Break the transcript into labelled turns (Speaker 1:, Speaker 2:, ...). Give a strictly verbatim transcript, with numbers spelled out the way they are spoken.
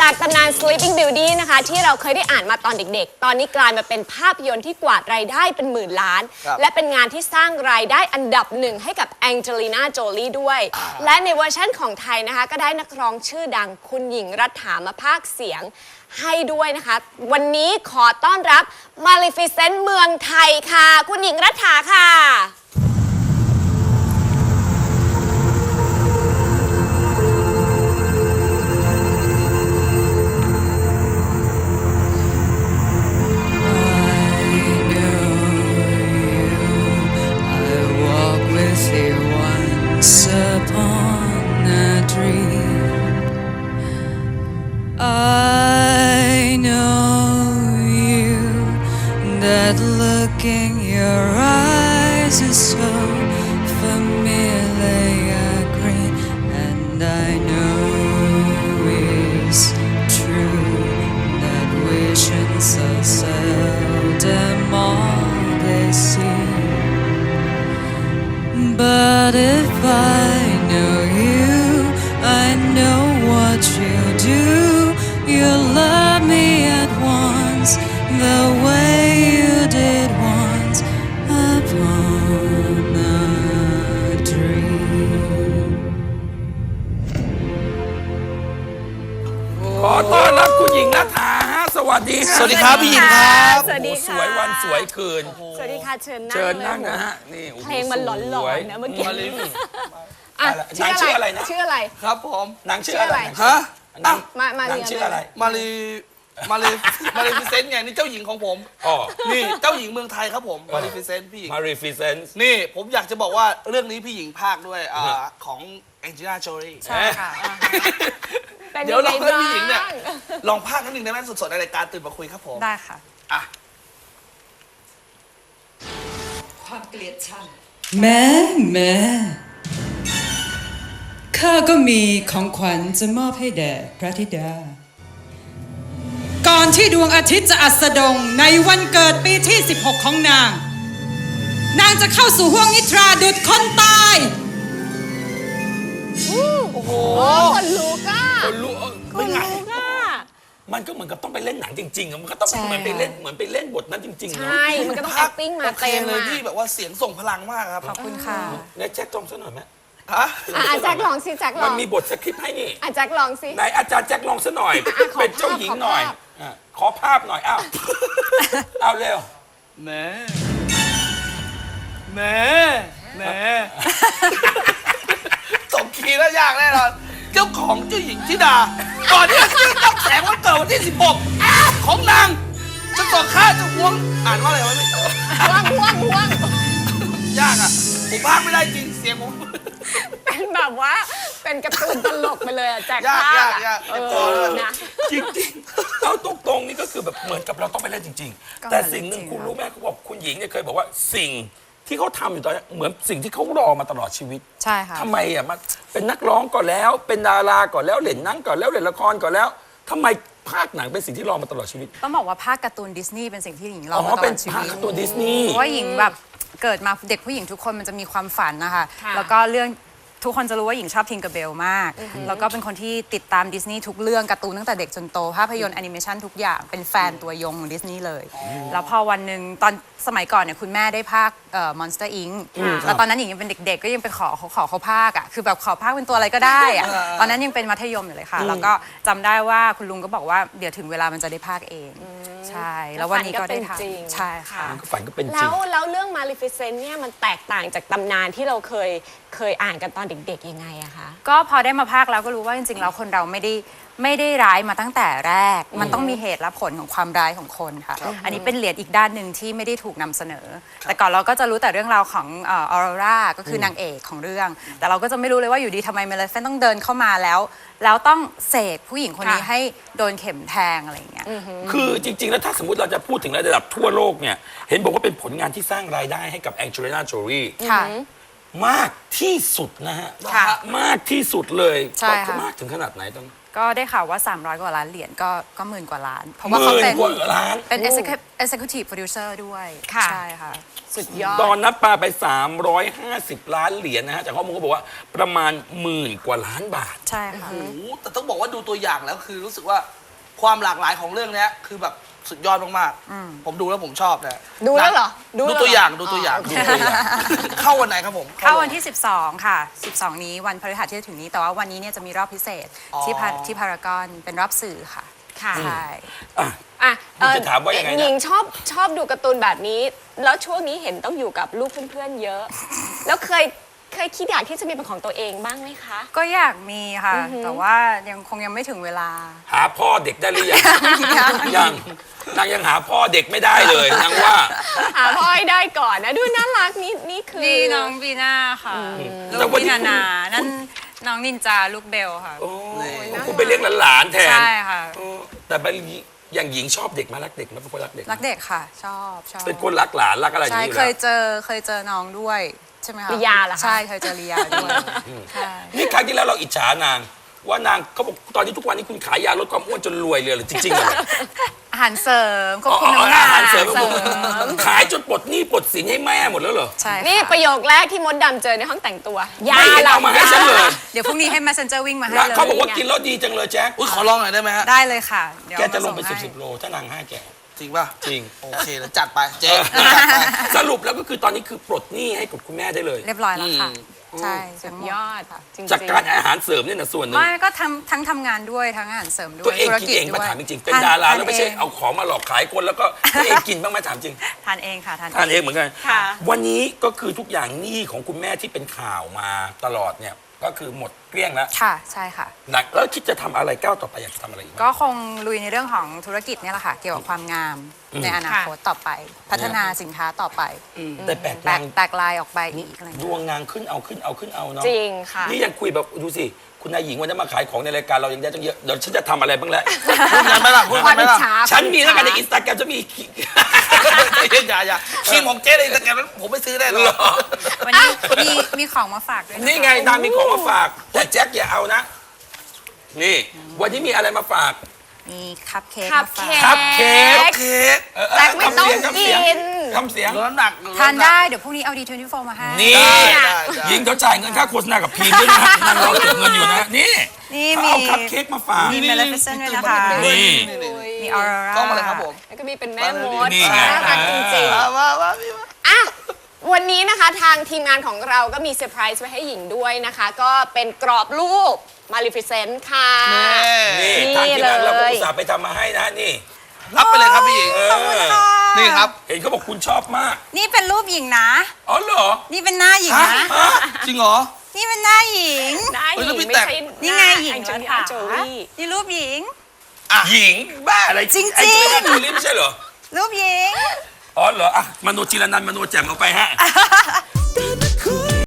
Speaker 1: จากตำนาน Sleeping Beauty นะคะที่เราเคยได้อ่านมาตอนเด็กๆ ตอนนี้กลายมาเป็นภาพยนตร์ที่กวาดรายได้เป็นหมื่นล้าน และเป็นงานที่สร้างรายได้อันดับหนึ่งให้กับแองเจลิน่าโจลีด้วย และในเวอร์ชั่นของไทยนะคะก็ได้นักร้องชื่อดังคุณหญิงรัฐามาพากย์เสียงให้ด้วยนะคะ วันนี้ขอต้อนรับ Maleficent เมืองไทยค่ะคุณหญิงรัฐาค่ะ
Speaker 2: I know you, that look in your eyes is so familiar green, and I know it's true that visions so seldom all they see. But if I know you, I know what you do.You love me at once, the way you did once upon a dream.
Speaker 3: ขอต้อนรับคุณหญิงรัฐาฮะสวัสดีฮะ
Speaker 4: สวัสดีครับพี่หญิงครับ
Speaker 1: สวัสดี
Speaker 3: โอ้โหส
Speaker 1: ค่ะ
Speaker 3: วยวันสวยคืน
Speaker 1: สวัสดีค่ะเชิญนั่ง
Speaker 3: เชิญนั่ง
Speaker 1: เลย
Speaker 3: นะฮะนี่โอ้โห
Speaker 1: เพลงมันหลอน
Speaker 3: สวย
Speaker 1: ๆนะเมื่อกี้
Speaker 3: มาลิฟ
Speaker 1: อ่ะ
Speaker 3: นางชื่ออะไรนะ
Speaker 1: ชื่ออะไร
Speaker 4: ครับผม
Speaker 3: นางชื่ออะไร
Speaker 4: ฮะ
Speaker 3: นาง
Speaker 1: มามา
Speaker 3: นาง
Speaker 1: เรียน
Speaker 3: ชื่ออะไร
Speaker 4: มารีมารีมารีฟิเซนต์ไงนี่เจ้าหญิงของผม
Speaker 3: อ๋อ
Speaker 4: นี่เจ้าหญิงเมืองไทยครับผมมารีฟิเซนต์พี่หญิง
Speaker 3: มารีฟิเซนส์
Speaker 4: นี่ผมอยากจะบอกว่าเรื่องนี้พี่หญิงภาคด้วยอ่าของแองเจลิน่าโจลี
Speaker 1: ใช่ค่ะ เป็น
Speaker 4: เดี๋ยวลอง
Speaker 1: ไง
Speaker 4: ให้
Speaker 1: บ้าง
Speaker 4: พี่หญิงเนี่ยลองภาคนิดนึงได้ไหมสดๆในรายการตื่นมาคุยครับผม
Speaker 2: ได้ค่ะ
Speaker 4: อ่ะ
Speaker 2: ความเกลียดชังแม่แม่ข้าก็มีของขวัญจะมอบให้แด่พระธิดา ก่อนที่ดวงอาทิตย์จะอัสดงในวันเกิดปีที่สิบหกของนาง นางจะเข้าสู่ห้วงนิทราดุจคนตาย
Speaker 4: โอ้โห
Speaker 1: โอ้คนลุกอ่ะ
Speaker 3: คนรู้เออ
Speaker 1: ค
Speaker 3: ไม่
Speaker 1: น
Speaker 3: ไง
Speaker 1: ลุกอ่ะ
Speaker 3: มันก็เหมือนกับต้องไปเล่นหนังจริงๆอะมันก็ต้อง
Speaker 2: ใช่
Speaker 3: เหมือนไปเล่นเหมือนไปเล่นบทนั้นจริงๆ
Speaker 1: ใช
Speaker 3: เนาะ
Speaker 1: ่ มันก็ต้อง
Speaker 4: ภาค
Speaker 1: acting มา
Speaker 4: โอเค
Speaker 1: เต็ม
Speaker 4: เลย
Speaker 1: อ่ะ
Speaker 4: พี่แบบว่าเสียงส่งพลังมากครับ
Speaker 2: ขอบคุณค่ะ
Speaker 3: ในแจ็คจองซะหน่อยไหม
Speaker 4: ฮะ
Speaker 1: อ่ะอ่ะแจ็คลองสิแจ็คล
Speaker 3: มั
Speaker 1: อน ง
Speaker 3: มีบทสคริปต์ให้นี่
Speaker 1: อ่ะแจ็คลองสิ
Speaker 3: ไหนอาจารย์แจ็คลองซะหน่อย
Speaker 1: ขอ
Speaker 3: เป็นเจ้าหญิงหน่อย
Speaker 1: ภาพ
Speaker 3: อ่ะขอภาพหน่อยอ้าวเอาเร็ว
Speaker 4: แหม่แหม่แหม่สมคีย์แล้วยากแน่นอนเจ้าของเจ้าหญิงธิดา ก่อนที่จะขึ้นต้องแสงวันเกิดวันที่สิบหกของนางจะต่อข้าจะหวงอ่านว่าอะไรวะไม่
Speaker 1: ห่วงห่วงห่วง
Speaker 4: ยากอ่ะผมพากไม่ได้จริงเสียงผม
Speaker 1: เป็นแบบว่า เป็นการ์ตูนตลกไปเลยอ่ะแจ็ค
Speaker 4: ยาก
Speaker 1: ภาพ
Speaker 4: ยาก
Speaker 1: อ่ะ
Speaker 4: ยาก
Speaker 1: เออนะ
Speaker 3: จริงๆเอาตรงๆนี่ก็คือแบบเหมือนกับเราต้องไปเล่นจริง
Speaker 2: ก็
Speaker 3: ๆ แต่สิ่งหนึ่ง
Speaker 2: จริงๆ
Speaker 3: คุณรู้ไหมเขาบอกคุณหญิงเนี่ยเคยบอกว่าสิ่งที่เขาทำอยู่ตอนนี้เหมือนสิ่งที่เขารอมาตลอดชีวิต
Speaker 2: ใช่ค่ะ
Speaker 3: ทำไมอ่ะมาเป็นนักร้องก่อนแล้ว เป็นดาราก่อนแล้วเล่นหนังก่อนแล้วเล่นละครก่อนแล้วทำไมภาคหนังเป็นสิ่งที่รอมาตลอดชีวิต
Speaker 2: ต้องบอกว่าภาคการ์ตูนดิสนีย์เป็นสิ่งที่หญิงร
Speaker 3: อ๋
Speaker 2: อ
Speaker 3: อ
Speaker 2: มาตล
Speaker 3: เป็
Speaker 2: อน ดชี
Speaker 3: ภาค
Speaker 2: วิต
Speaker 3: การ์ตูนดิสนีย์
Speaker 2: เพราะว่าหญิงแบบเกิดมาเด็กผู้หญิงทุกคนมันจะมีความฝันนะคะ
Speaker 1: ค่ะ
Speaker 2: แล้วก็เรื่องทุกคนจะรู้ว่าหญิงชอบทิงเกอร์เบลมาก แล้วก็เป็นคนที่ติดตามดิสนีย์ทุกเรื่องการ์ตูนตั้งแต่เด็กจนโต ภาพยนตร์แอนิเมชันทุกอย่างเป็นแฟนตัวยงของดิสนีย์เลย แล้วพอวันหนึ่งตอนสมัยก่อนเนี่ยคุณแม่ได้ภาคเอ่อ Monster อิงค์ แล้วตอนนั้นหญิงยังเป็นเด็กๆ ก็ยังไปขอเขาขอเขาภาคอ่ะคือแบบขอภาคเป็นตัวอะไรก็ได้อะตอนนั้นยังเป็นมัธยมอยู่เลยค่ะ แล้วก็จำได้ว่าคุณลุงก็บอกว่าเดี๋ยวถึงเวลามันจะได้ภาคเองใช่แล้ววันนี้ก็ได้
Speaker 1: ฝันก็เป็นจริง
Speaker 2: ทำใช่ค่ะ
Speaker 3: มันก็ฝันก็เป็นจ
Speaker 1: แล้
Speaker 3: ริง
Speaker 1: วแล้วเรื่อง Maleficent เนี่ยมันแตกต่างจากตำนานที่เราเคยเคยอ่านกันตอนเด็กๆยังไงอะคะ
Speaker 2: ก็พอได้มาภาคแล้วก็รู้ว่าจริงๆแล้วคนเราไม่ได้ไม่ได้ร้ายมาตั้งแต่แรก มันต้องมีเหตุและผลของความร้ายของคนค่ะ อันนี้เป็นเหรียญอีกด้านหนึ่งที่ไม่ได้ถูกนำเสนอ แต่ก่อนเราก็จะรู้แต่เรื่องราวของออโรราก็คือนางเอกของเรื่อง แต่เราก็จะไม่รู้เลยว่าอยู่ดีทำไมเมเลฟินต้องเดินเข้ามาแล้ว แล้วต้องเสกผู้หญิงคนนี้
Speaker 1: ค่ะ
Speaker 2: ให้โดนเข็มแทงอะไรอย่างเงี้ย
Speaker 3: คือจริง ๆ แล้วถ้าสมมติเราจะพูดถึงระดับทั่วโลกเนี่ย เห็นบอกว่าเป็นผลงานที่สร้างรายได้ให้กับแองเจลิน่าโจลี
Speaker 2: ค่ะ
Speaker 3: มากที่สุดนะฮะ
Speaker 2: ค่ะ
Speaker 3: มากที่สุดเลย
Speaker 2: ใช่ค่ะ
Speaker 3: มากถึงขนาดไหนตอน
Speaker 2: ก็ได้ข่าวว่า สามร้อย กว่าล้านเหรียญก็ก็หมื่นกว่าล้าน เพราะ
Speaker 3: ห
Speaker 2: ว่าเขา
Speaker 3: มื่น
Speaker 2: เป็น
Speaker 3: กว่าล้าน
Speaker 2: เป็น executive executive producer ด้วย
Speaker 1: ค่ะ
Speaker 2: ใช่ค่ะ
Speaker 1: สุดยอด
Speaker 3: ตอนนั้นปาไป สามร้อยห้าสิบ ล้านเหรียญนะฮะจากข้อมูลก็บอกว่าประมาณหมื่นกว่าล้านบาท
Speaker 2: ใช่ค่ะ
Speaker 4: โอ้โหแต่ต้องบอกว่าดูตัวอย่างแล้วคือรู้สึกว่าความหลากหลายของเรื่องเนี้ยคือแบบสุดยอดมากๆผมดูแล้วผมชอบนะ
Speaker 1: ดูแล้วเหรอดู
Speaker 4: ดู
Speaker 1: แล้วเหรอ
Speaker 4: ตัวอย่างดูตัวอย่าง
Speaker 1: อ๋อ
Speaker 4: ดูตัวอย่างเข้าวันไหนครับผม
Speaker 2: เข้าวันที่ สิบสอง ค่ะ สิบสอง นี้วันพฤหัสที่จะถึงนี้ แต่ว่าวันนี้เนี่ยจะมีรอบพิเศษ
Speaker 4: อ๋อ
Speaker 2: ที่พาที่พารากอนเป็นรอบสื่อค่ะ
Speaker 1: ค่ะ
Speaker 2: ใช่
Speaker 3: อ่ะ
Speaker 1: อ่ะ
Speaker 3: คุณจะถามว่ายังไงนะ
Speaker 1: หญิงชอบชอบดูการ์ตูนแบบนี้ แล้วช่วงนี้เห็นต้องอยู่กับลูกเพื่อนๆเยอะ แล้วเคยเคยคิดอยากที่จะมีเป็นของตัวเองบ้างไหมคะ
Speaker 2: ก็อยากมีค่ะ แต่ว่ายังคงยังไม่ถึงเวลา
Speaker 3: หาพ่อเด็กได้หรือยังยังนางยังหาพ่อเด็กไม่ได้เลยนางว่า
Speaker 1: หาพ่อให้ได้ก่อนนะ ดูน่ารักนี่นี่คือ
Speaker 2: นี่น้องบีน่าค่ะ
Speaker 3: แต่
Speaker 2: ลูก
Speaker 3: วัน
Speaker 2: พี่
Speaker 3: นี้
Speaker 2: นา
Speaker 3: คุณ
Speaker 2: นานั่นน้องนินจาลูกเบลค่ะ
Speaker 3: โอ้คุณไปเลี้ยงหลานๆแทน
Speaker 2: ใช่ค่ะ
Speaker 3: เออแต่ไปอย่างหญิงชอบเด็กไหมารักเด็กไหมเป็นคนรักเด็กไหม
Speaker 2: รักเด็กค่ะ ชอบชอบ
Speaker 3: เป็นคนรักหลานรักอะไรอย่าง
Speaker 2: ใช่
Speaker 3: นี้อยู่
Speaker 2: เค
Speaker 3: แล้ว
Speaker 2: ยเจอเคยเจอน้องด้วยใช่ไหมคะ
Speaker 1: ลียาเหรอคะ
Speaker 2: ใช่เคยเจอลียาด้วยใช่
Speaker 3: นี่ครั้งที่แล้วเราอิจฉานาง ว่านางเขาบอกตอนนี้ทุกวันนี้คุณขายยาลดความอ้วนจนรวยเลยเหรือจริงๆเหรอ
Speaker 2: อาหารเสริมควบ
Speaker 3: อ๋อ
Speaker 2: คุมน้ำหนัก
Speaker 3: อาหารเสริม
Speaker 2: เสริม
Speaker 3: ขายจนปลดหนี้ปลดสินให้แม่หมดแล้วเหรอ
Speaker 2: ใช่ค่ะ
Speaker 1: นี่ประโยคแรกที่มดดำเจอในห้องแต่งตัว ยา
Speaker 3: ไม่เห็น
Speaker 1: หลั
Speaker 3: เอามาให้ฉันเลย
Speaker 2: เดี๋ยวพรุ่งนี้ให้ messenger วิ่งมาให้
Speaker 3: แล้ว
Speaker 2: เลย
Speaker 3: เขาบอกว่ากินแล้วดีจังเลยแจ๊ค
Speaker 4: อุ้ยขอลองหน่อยได้ไหมฮะ
Speaker 2: ได้เลยค่ะเดี๋ยว
Speaker 3: แกจะลงไป
Speaker 2: มา
Speaker 3: สิบ
Speaker 2: ให้
Speaker 3: สิบโลถ้านางให้แก
Speaker 4: จริงป่ะ
Speaker 3: จริง
Speaker 4: โอเคแล้วจัดไปเจ๊จัดไป
Speaker 3: สรุปแล้วก็คือตอนนี้คือปลดหนี้ให้กับคุณแม่ได้เลย
Speaker 2: เรียบร้อยแล้วค่ะ
Speaker 4: อืม
Speaker 2: ใช่
Speaker 1: สุ
Speaker 2: ทั้
Speaker 1: ด
Speaker 2: งหม
Speaker 1: ยอด
Speaker 2: ค่ะ
Speaker 1: จริงๆ
Speaker 3: จากการอาหารเสริมเนี่ยนะส่วนหนึ่ง
Speaker 2: ไม่ก็ทำทั้งทำงานด้วยทั้งอาหารเสริมด้วย
Speaker 3: ตัวเอง
Speaker 2: ธุร
Speaker 3: กิน
Speaker 2: กิจ
Speaker 3: เอง
Speaker 2: ด้
Speaker 3: มา
Speaker 2: วย
Speaker 3: ถามจริงๆเป็นดาราแล้วไม่ใช่เอาของมาหลอกขายคนแล้วก็ตัวเองกินบ้างไหมถามจริง
Speaker 2: ทานเองค่ะทาน
Speaker 3: ทานเองเหมือนกัน
Speaker 1: ค่ะ
Speaker 3: วันนี้ก็คือทุกอย่างหนี้ของคุณแม่ที่เป็นข่าวมาตลอดเนี่ยก็คือหมดเกลี้ยงแล้ว
Speaker 2: ค่ะใช่ค่ะ
Speaker 3: หนักแล้วคิดจะทำอะไรก้าวต่อไปอยากจะทำอะไรอีกไหม
Speaker 2: ก็คงลุยในเรื่องของธุรกิจเนี่ยแหละค่ะ เกี่ยวกับความงามในอนาคตต่อไป พัฒนาสินค้าต่อไป
Speaker 3: แต่แปลก
Speaker 2: แต
Speaker 3: นาก ง
Speaker 2: แตกลายออกไปอีกอะไรอย่าง
Speaker 3: ด
Speaker 2: เงี้ยว
Speaker 3: งนางขึ้นเอาขึ้นเอาขึ้นเอาเนาะ
Speaker 1: จริงค่ะ
Speaker 3: นี่ยังคุยแบบดูสิคุณนายหญิงวันนี้มาขายของในรายการเรายังได้ตั้งเยอะเดี๋ยวฉันจะทำอะไรบ้างแล้ว
Speaker 4: พูดกันไหมล่ะพูด
Speaker 1: ค
Speaker 4: กั
Speaker 1: วาน ม
Speaker 4: ไหม
Speaker 1: อิจ
Speaker 4: ล่ะ
Speaker 1: ฉา
Speaker 3: ฉันมีแล้วกันใน
Speaker 1: ความ
Speaker 3: อิ
Speaker 1: อิ
Speaker 3: น
Speaker 1: จ
Speaker 3: สตาแกรมจะมี
Speaker 4: อย่าอย่าครีมของเจ๊ในสแกนนั้นผมไม่ซื้อได้หร
Speaker 3: เหร
Speaker 4: อก
Speaker 3: อ
Speaker 2: วันนี้มีมีของมาฝากด้วยะคะ
Speaker 3: นี่ไงนางมีของมาฝากแต่แจ็คอย่าเอานะ นี่ วันนี้มีอะไรมาฝาก
Speaker 2: มีคัพเค้ก
Speaker 1: คัพ
Speaker 2: มาฝาก
Speaker 1: เค้ก
Speaker 3: คัพเค้ก
Speaker 4: เค้ก
Speaker 3: เออเออ
Speaker 1: แจ็คไม่ต้อง
Speaker 3: ทำเสียง
Speaker 1: กิน
Speaker 3: ทำเสียง
Speaker 4: ลดน้ำหนักล
Speaker 2: ทาน
Speaker 4: ำหก
Speaker 2: ได้เดี๋ยวพรุ่งนี้เอาดีทเวนตี้โฟมาให้
Speaker 3: นี่
Speaker 4: ได้ได้
Speaker 3: หญิงเขาจ่ายเงินค่าโฆษณากับพีมด้วยนะนางรอเก็บเงินอยู่นะ นี่
Speaker 2: นี่
Speaker 3: เขา
Speaker 2: มี
Speaker 3: เอาคัพเค้กมาฝาก
Speaker 2: มี Maleficent ด้วยนะคะ
Speaker 3: นี่
Speaker 2: มีออร่าก
Speaker 4: ล้องมาเลยครับผม
Speaker 1: แล้วก็มีเป็นแม่มด
Speaker 3: นี่ไง
Speaker 1: น่ารักจริง
Speaker 4: มามามาพี่มา
Speaker 1: ๆอ่ะวันนี้นะคะทางทีมงานของเราก็มีเซอร์ไพรส์ไว้ให้หญิงด้วยนะคะ ก็เป็นกรอบรูป Maleficent ค่ะ
Speaker 3: นี่
Speaker 1: นี่
Speaker 3: ทางที่ร้านเราก็
Speaker 1: เลย
Speaker 3: อุตส่าห์ไปทำมาให้นะนี่
Speaker 4: รับไปเลยครับพี่หญิง
Speaker 3: เออ
Speaker 4: นี่ครับ
Speaker 3: เห็นเขาบอกคุณชอบมาก
Speaker 2: นี่เป็นรูปหญิงนะ
Speaker 3: อ๋อเหรอ
Speaker 2: นี่เป็นหน้าหญิงนะ
Speaker 3: ฮะ
Speaker 4: จริงเหรอ
Speaker 2: นี่เป็นหน้าหญิง
Speaker 1: หน้าห
Speaker 4: เฮ้ย
Speaker 1: ญิ
Speaker 4: แล้ว
Speaker 1: ง
Speaker 4: พี่
Speaker 1: ไม่
Speaker 4: แต่ง
Speaker 1: ใช่
Speaker 2: นี่ไงหญิง
Speaker 1: แองเจลิ
Speaker 2: ขา
Speaker 1: น่าโจลี่
Speaker 2: นี่รูปหญิง
Speaker 3: หญิงบ้าอะไร
Speaker 2: จริงๆ
Speaker 3: ไอ้เจ้าหน้าที่ไม่ใช่เหรอ
Speaker 2: รูปหญิง
Speaker 3: อ๋อเหรออ่ะมโนจิรนันท์มโนแจ่มเอาไปฮะ